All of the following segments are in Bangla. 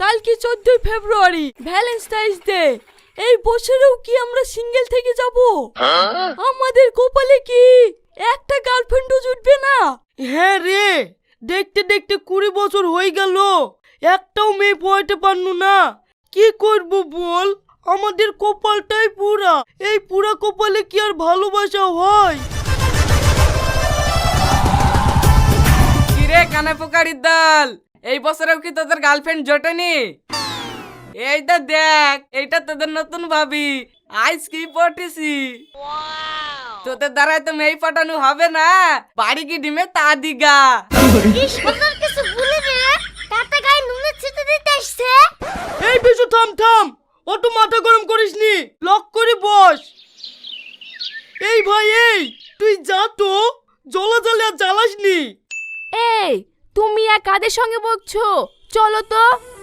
কালকে 14 ফেব্রুয়ারি ভ্যালেন্টাইন্স ডে। এই বছরেও কি আমরা সিঙ্গেল থেকে যাব? আমাদের কপালে কি একটা গার্লফ্রেন্ডও জুটবে না? হ্যাঁ রে, দেখতে দেখতে 20 বছর হয়ে গেল, একটাও মেয়ে পড়াতে পারনু না। কি করব বল, আমাদের কপালটাই পুরা। এই পুরা কপালে কি আর ভালোবাসা হয়? কিরে কানে পোকারির দল, এই বছরেও কি তোদের গার্লফ্রেন্ড জোটেনি? এইটা দেখ, এইটা তোদের নতুন ভাবি। আইস কি পটেছি। তোদের দ্বারাই তো মেয়ে পাঠানো হবে না, বাড়ি কি ডিমে তা দিগা। কিছু ভুলে রে, তাতে গায়ে নুনে ছিটে দিতে আসছে। এই বিশু থাম থাম, অত মাথা গরম করিসনি, লক করে বস। এই ভাই এই, তুই যা তো, জ্বলে আর জ্বালাসনি। এই তুমি আর কাদের সঙ্গে বকছো? চলো তো।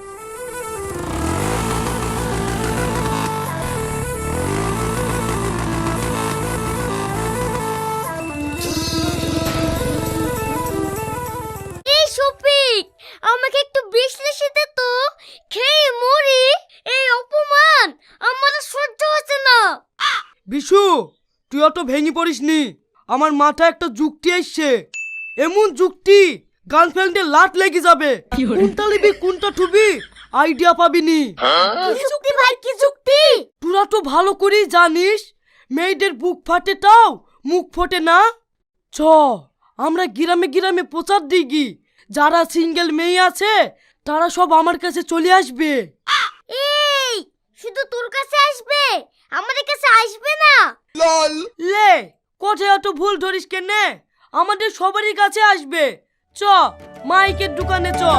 এই শফিক, আমাকে একটু বিশ্লেষণ দে তো, খেয়ে মরি। এই অপমান আমার আর সহ্য হচ্ছে না। বিশু, তুই অত ভেঙে পড়িসনি, আমার মাথায় একটা যুক্তি এসছে। এমন যুক্তি গার্লফ্রেন্ডের লাট লেগে যাবে। কোনটা লিবি কোনটা ঠুবি আইডিয়া পাবিনি। কি যুক্তি ভাই, কি যুক্তি? তোরা তো ভালো করেই জানিস, মেয়েদের বুক ফাটে তাও মুখ ফোটে না। চ আমরা গ্রামে গ্রামে প্রচার দিই, যারা সিঙ্গেল মেয়ে আছে তারা সব আমার কাছে চলে আসবে। এই শুধু তোর কাছে আসবে, আমাদের কাছে আসবে না? লে কোথায় অত ভুল ধরিস কেনে, আমাদের সবারই কাছে আসবে। চ মাইকের দোকানে চ।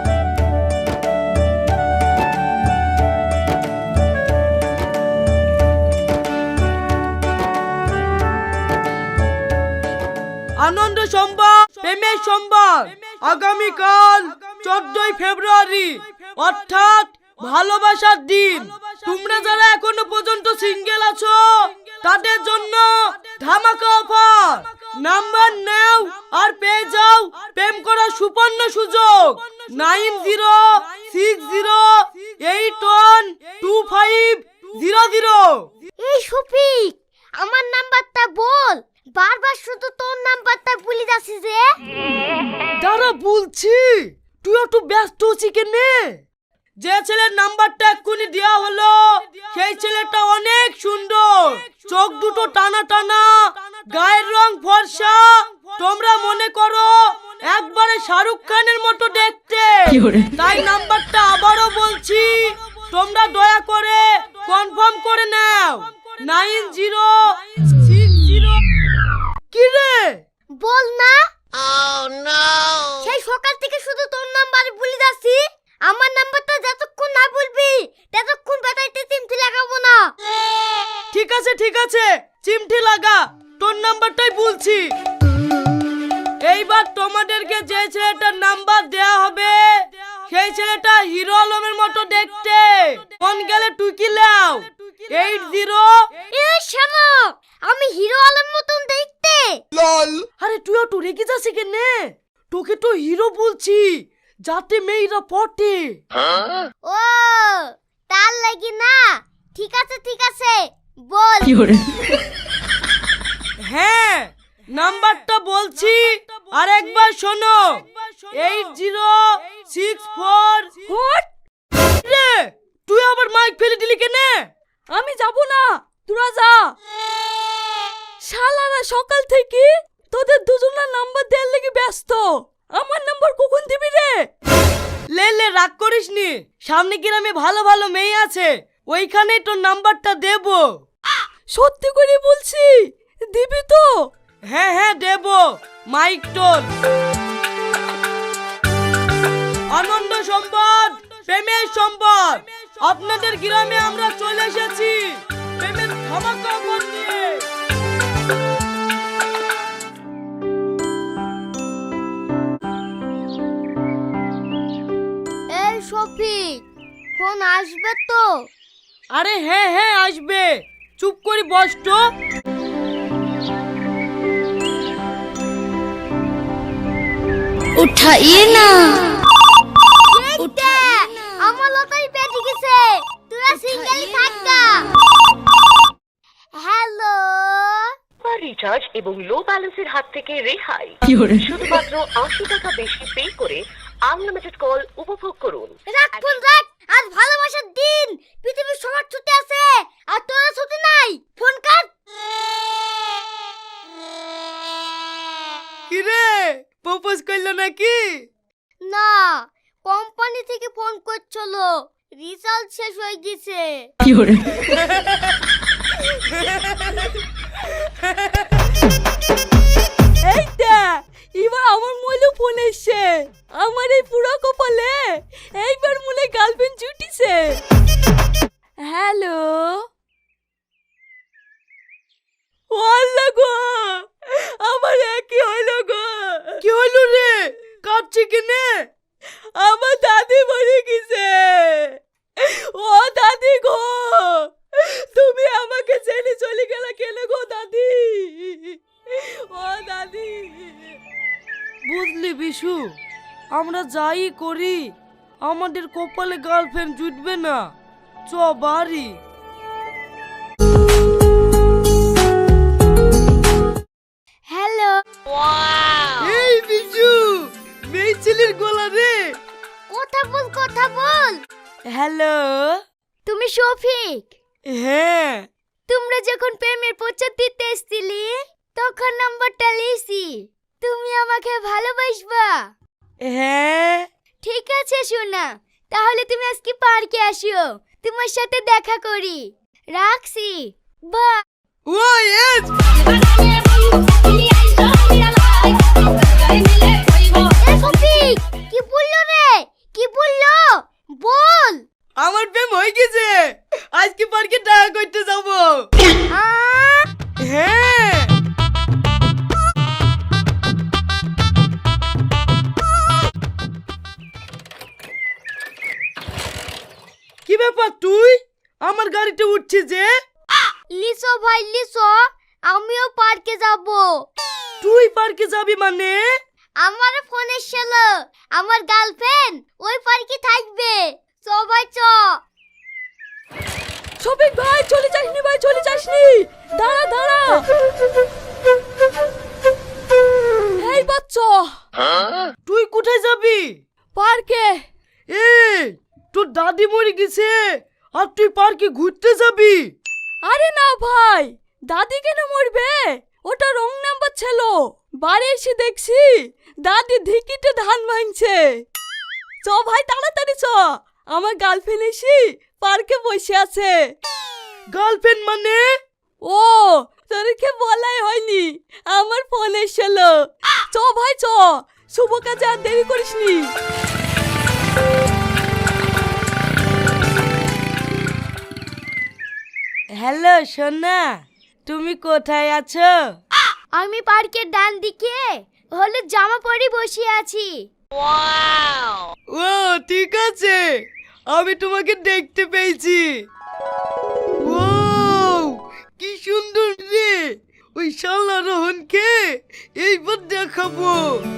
আনন্দ সংবাদ, প্রেমের সংবাদ। আগামীকাল 14 ফেব্রুয়ারি অর্থাৎ ভালোবাসার দিন। তোমরা যারা এখনো পর্যন্ত সিঙ্গেল আছো তাদের জন্য ধামাকা অফার। নাম্বার নাও আর পেয়ে যাও প্রেম করার সুবর্ণ সুযোগ। 9060812500। এই শফিক, আমার নাম্বারটা বল, বারবার শুধু তোর নাম্বারটা ভুলে যাচ্ছিস যে। দাঁড়া বলছি, তুই একটু ব্যস্ত আছিস কেনে? যে ছেলের নাম্বারটা এক্ষুনি দেওয়া হলো সেই ছেলেটা অনেক সুন্দর, চোখ দুটো টানা টানা, গায়ের রং ফর্সা। তোমরা মনে করো একবারে শাহরুখ খানের মতো দেখতে। তাই নাম্বারটা আবারও বলছি, তোমরা দয়া করে কনফার্ম করে নাও। 9060। কি রে বল না। সেই সকাল থেকে শুধু তোর নাম্বার ভুলে যাচ্ছি। আমার নাম্বারটা যতক্ষণ না বলবি ততক্ষণ বেটাইতে চিমটি লাগাবো না। ঠিক আছে ঠিক আছে, চিমটি লাগা, তোর নাম্বারটাই বলছি। এইবার তোমাদেরকে যে ছেলেটার নাম্বার দেয়া হবে সেই ছেলেটা হিরো আলমের মতো দেখতে। কোন গেলে টুকি লাও 80। এই শালা, আমি হিরো আলম মতন দেখতে। আরে তুই তো রেগে যাচ্ছিস কেনে? তোকে তো হিরো বলছি, যাতে মেয়েরা পটে। ও তার লাগি না। ঠিক আছে ঠিক আছে, বল। হ্যাঁ নাম্বারটা বলছি, আর একবার শোনো। 8064। হোট, রে তুই আবার মাইক ফেলে দিলি কেনে? আমি যাব না, তোরা যা। শালারা সকাল থেকে তোদের দুজনের নাম্বার দেওয়ার লেগে ব্যস্ত। আমার নাম্বার কখন দিবি রে? লে লে রাগ করিসনি, সামনে গ্রামে ভালো ভালো মেয়ে আছে, ওইখানেই তোর নাম্বারটা দেব। সত্যি করে বলছি, দিবি তো? হ্যাঁ হ্যাঁ দেব। মাইক তোল। আনন্দ সংবাদ, প্রেমের সংবাদ। আপনাদের গ্রামে আমরা চলে এসেছি প্রেমের ধামাকা অফার নিয়ে। এই শফিক, ফোন আসবে তো? আরে হ্যাঁ হ্যাঁ আসবে, চুপ করে বস তো। उठाइए ना। আমার এবং লো ব্যালেন্সের হাত থেকে রেহাই। শুধুমাত্র ৮০ টাকা বেশি পে করে আনলিমিটেড কল উপভোগ করুন। রাখ ফোন রাখ, আজ ভালোবাসার দিন, পৃথিবীর সবার ছুটি আছে আর তোর ছুটি নাই, ফোন কাট। কি রে, প্রপোজ করলো নাকি? না, কোম্পানি থেকে ফোন করছিল, রিচার্জ শেষ হয়ে গেছে। এইটা এবার আমার মইলো ফোন এসছে, আমার এই পুরো কপালে এইবার মনে গার্লফ্রেন্ড জুটিছে। হ্যালো, ওয়াল্লা গো, আমার কি হইলো গো? কি হলো রে, কাঁদছি কেনে? আমার দাদি মরে গেছে। ও দাদি গো, তুমি আমাকে ছেড়ে চলে গেলে কেন গো দাদি? ও দাদি। বুঝলি বিশু, আমরা যাই করি আমাদের কপালে গার্লফ্রেন্ড জুটবে না। চ বাড়ি। হ্যালো, এই বিশু, মেয়ে ছেলের গলা রে। কথা বল কথা বল। হ্যালো। তুমি শফিক? হ্যাঁ। তোমরা যখন প্রেমের প্রচার দিতে এসেছিলে তখন নাম্বারটা লিয়েছি। তুমি আমাকে ভালোবাসবা? হ্যাঁ। ঠিক আছে সোনা, তাহলে তুমি আজকে পার্কে আসো, তোমার সাথে দেখা করি। রাখছি, বা। ও এস। শফিক, কি বললো রে? কি বললো? বল। আমার প্রেম হয়ে গেছে, আজকে পার্কে দেখা করতে যাব। হ্যাঁ। কি ব্যাপার, তুই আমার গাড়িতে উঠছিস যে? লিসো ভাই লিসো, আমিও পার্কে যাব। তুই পার্কে যাবি মানে? আমার ফোন এসেছিল, আমার গার্লফ্রেন্ড ওই পার্কে থাকবে, সবাই চ। শফিক ভাই চলে যাসনি, ভাই চলে যাসনি, দাঁড়া দাঁড়া। এই বাচ্চা, তুই কোথায় যাবি? পার্কে। এই, তোর দাদি মরে গেছে আর তুই পার্কে ঘুরতে যাবি? আরে না ভাই, দাদি কেন মরবে? ওটা রং নাম্বার ছিল। বাড়ি এসে দেখছি দাদি ধিকিতে ধান ভাঙছে। চ ভাই তাড়াতাড়ি চ, আমার গার্লফ্রেন্ড এসে পার্কে বসে আছে। গার্লফ্রেন্ড মানে? ও, তোরকে বলাই হয়নি, আমার ফোন এসেছিল। চ ভাই চ, শুভ কাজে আর দেরি করিসনি। হ্যালো সোনা, তুমি কোথায় আছো? আমি পার্কের ডান দিকে হলুদ জামা পরে বসে আছি। ও ঠিক আছে, আমি তোমাকে দেখতে পেয়েছি। ও কি সুন্দর রে, ওই শালা রোহনকে এইবার দেখাবো।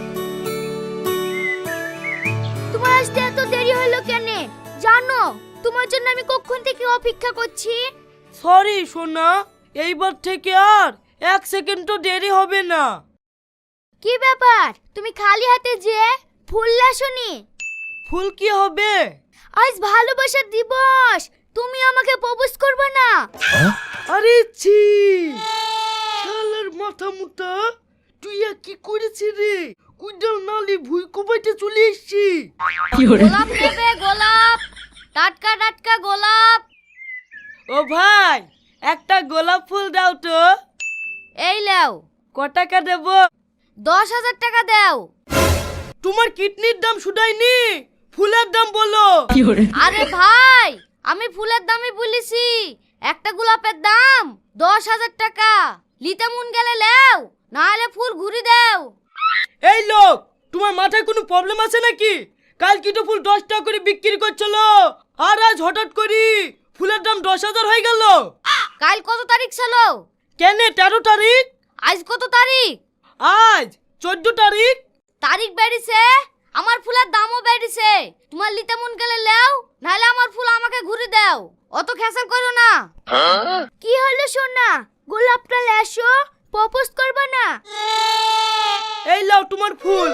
তোমার আসতে এত দেরি হলো কেন জানো? তোমার জন্য আমি কখন থেকে অপেক্ষা করছি। সরি সোনা, এইবার থেকে আর 1 সেকেন্ডও দেরি হবে না। কি ব্যাপার, তুমি খালি হাতে যে ফুল লাসনি? ফুল কি হবে? আজ ভালোবাসার দিবস, তুমি আমাকে প্রপোজ করবে না? আরে ছি, শালার মাথা মুটা, তুই আর কি করেছিস রে? কুইডাল নালি ভুই কুবাইতে চলে এসছি। গোলাপ নেবে? গোলাপ, টাটকা টাটকা গোলাপ। ও ভাই, একটা গোলাপ ফুল দাও তো। এই লাও। ক টাকা দেব? 10,000 টাকা দাও। তোমার কিডনির দাম শুধাইনি, ফুলের দাম বলো। আরে ভাই, আমি ফুলের দামই বলেছি, একটা গোলাপের দাম 10,000 টাকা। লিতে মন গেলে লেও, না হলে ফুল ঘুরি দাও। এই লোক, তোমার মাথায় কোনো প্রবলেম আছে নাকি? কাল কি তো ফুল 10 টাকা করে বিক্রি করছিল, আর আজ হঠাৎ করে ফুলের দাম 10,000 হয়ে গেল। কাল কত তারিখ ছিল? কেন 13 তারিখ? আজ কত তারিখ? আজ 14 তারিখ। তারিখ বেড়েছে, আমার ফুলের দামও বেড়েছে। তোমার লিতে মন গেলে লেও, নাহলে আমার ফুল আমাকে ঘুরে দাও। অত খেসাল করো না। কি হলো সোনা, গোলাপটা লেসো, প্রপোজ করবা না? এই লাও তোমার ফুল।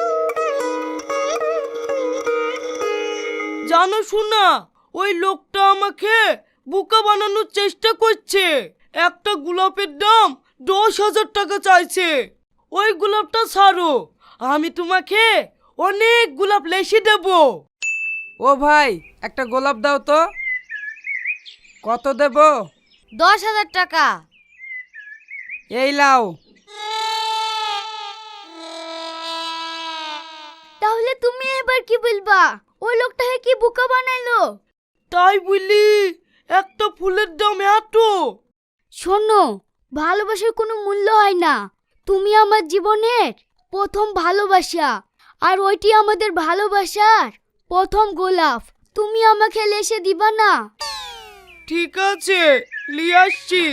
জানো শোনা, ওই লোকটা আমাকে বোকা বানানোর চেষ্টা করছে। একটা গোলাপের দাম 10,000 টাকা চাইছে। ওই গোলাপটা ছাড়ো, আমি তোমাকে অনেক গোলাপ লেসে দেব। ও ভাই, একটা গোলাপ দাও তো। কত দেব? 10,000 টাকা। এই লাও। তাহলে তুমি এবার কি বলবা? ওই লোকটাকে কি বোকা বানাইলো? তাই বলি একটা ফুলের দাম এত? শোনো, ভালোবাসার কোনো মূল্য হয় না। তুমি আমার জীবনের প্রথম ভালোবাসা, আর ওইটি আমাদের ভালোবাসার প্রথম গোলাপ। তুমি আমাকে লেসে দিবা না? ঠিক আছে, নিয়ে আসছি।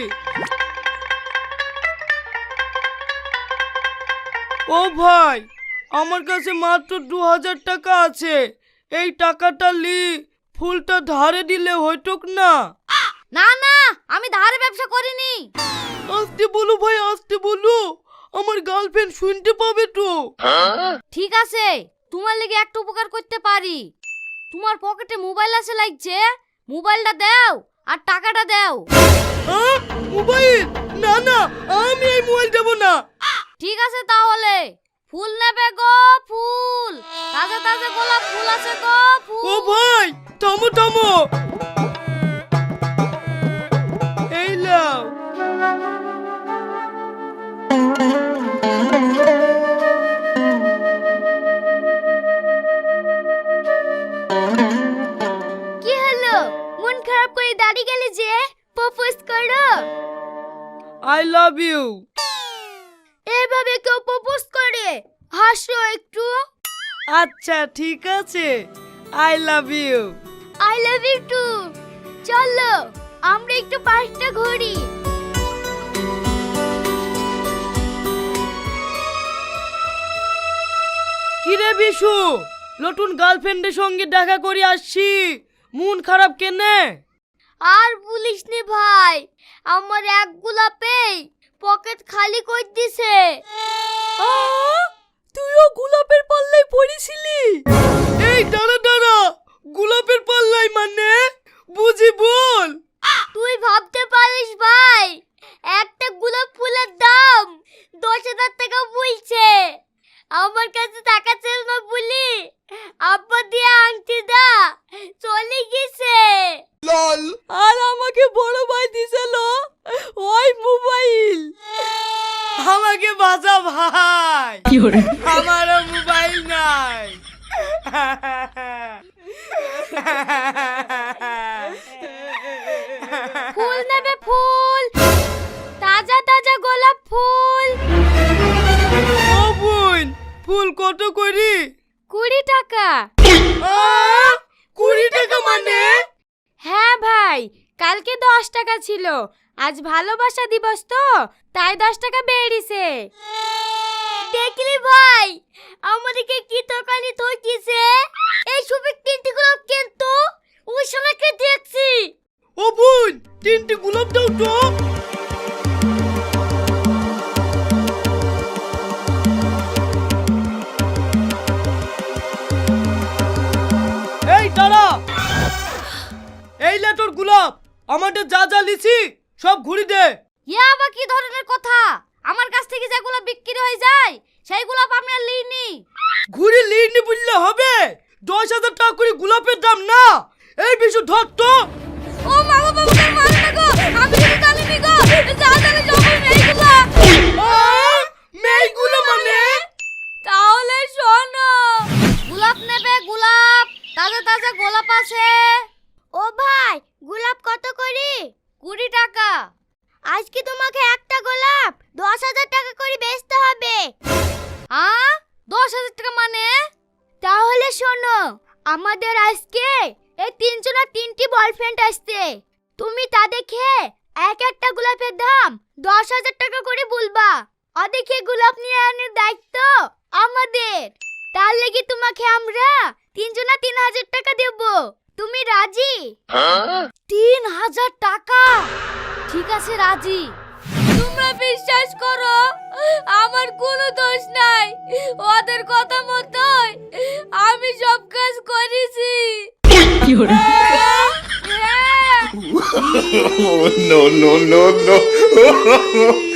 ও ভাই, আমার কাছে মাত্র 2,000 টাকা আছে। এই টাকাটা লি ফুলটা ধারে দিলে হইতোক না? না না, আমি ধারে ব্যবসা করিনি। আসতে বলো ভাই, আসতে বলো, আমার গার্লফ্রেন্ড শুনতে পাবে তো। ঠিক আছে, তোমার লেগে একটা উপকার করতে পারি। তোমার পকেটে মোবাইল আছে লাগছে, মোবাইলটা দাও আর টাকাটা দাও। মোবাইল? না না, আমি এই মোবাইল দেব না। ঠিক আছে তাহলে, ফুল নেবে গো ফুল, তাজা তাজা গোলাপ ফুল আছে গো ফুল। ও ভাই, থামো থামো। এই লাও। কি হলো, মন খারাপ করে দাঁড়িয়ে গেলে যে? প্রপোজ করো। I love you. এভাবে কেউ প্রপোজ করে? হাসো একটু। আচ্ছা ঠিক আছে, I love you. I love you too. চলো আমরা একটু পার্কটা ঘুরি। কিরে বিশু, নতুন গার্লফ্রেন্ডের সঙ্গে দেখা করে আসছি, মন খারাপ কেনে? আর বলিস নি ভাই, আমার এক গোলাপেই পকেট খালি করে দিছে। তুইও গোলাপের পাল্লায় পড়েছিলি? এই দাঁড়া দাঁড়া, গোলাপের পাল্লাই মানে বুঝি বল। তুই ভাবতে পারিস ভাই, একটা গোলাপ ফুলের দাম 10,000 টাকা বলছে। আমার কাছে টাকা ছিল না বলি আব্বা দিয়ে আংটি দা চলে গেছে। আর আমাকে বড় ভাই দিছিল ওই মোবাইল। আমাকে বাঁচা ভাই, আমারও মোবাইল নাই। ফুল নেবে ফুল, তাজা তাজা গোলাপ ফুল। ও বোন, ফুল কত করি? 20 টাকা। 20 টাকা মানে? হ্যাঁ ভাই, কালকে 10 টাকা ছিল, আজ ভালোবাসা দিবস তো তাই 10 টাকা বেড়েছে। দেখলি ভাই, আমাদেরকে কি দোকানে ঠকিছে। এই সবে 3টি গোলাপ কিন্তু ওই সময়কে দেখছি। ও বোন, 3টি গোলাপ দাও তো। এই দাঁড়া, এই লে তোর গোলাপ। আমাদের যা যা লিছি সব ঘুরি দে। ইয়া আবার কি ধরনের কথা? আমার কাছ থেকে যেগুলো বিক্রি হয়ে যায় সেইগুলো আমরা লিনি। ঘুরি লিনি বললে হবে? 10,000 টাকা করে গোলাপের দাম না। এই বিশু ধর তো। ও মা গো বাবা, তোর মার না গো, আমি কিছু জানিনি গো। যা জানি সব মেয়েগুলো। মেয়েগুলো মানে? তাহলে শোনো, গোলাপ নেবে গোলাপ, তাজা তাজা গোলাপ আছে। ও ভাই, গোলাপ কত করে? 20 টাকা। আজকে তোমাকে একটা গোলাপ 10,000 টাকা করে বেচতে হবে। 10,000 টাকা মানে? তাহলে শোনো, আমাদের আজকে এই 3 জনের 3টি বয়ফ্রেন্ড আসছে। তুমি তাদেরকে এক একটা গোলাপের দাম 10,000 টাকা করে বলবা। ওদেরকে গোলাপ নিয়ে আনার দায়িত্ব আমাদের। তার লাগি তোমাকে আমরা 3 জনা 3,000 টাকা দেব। তুমি রাজি? 3,000 টাকা? ঠিক আছে রাজি। তোমরা বিশ্বাস করো আমার কোনো দোষ নাই, ওদের কথা মতোই আমি সব কাজ করেছি। হ্যাঁ। no, no, no, no.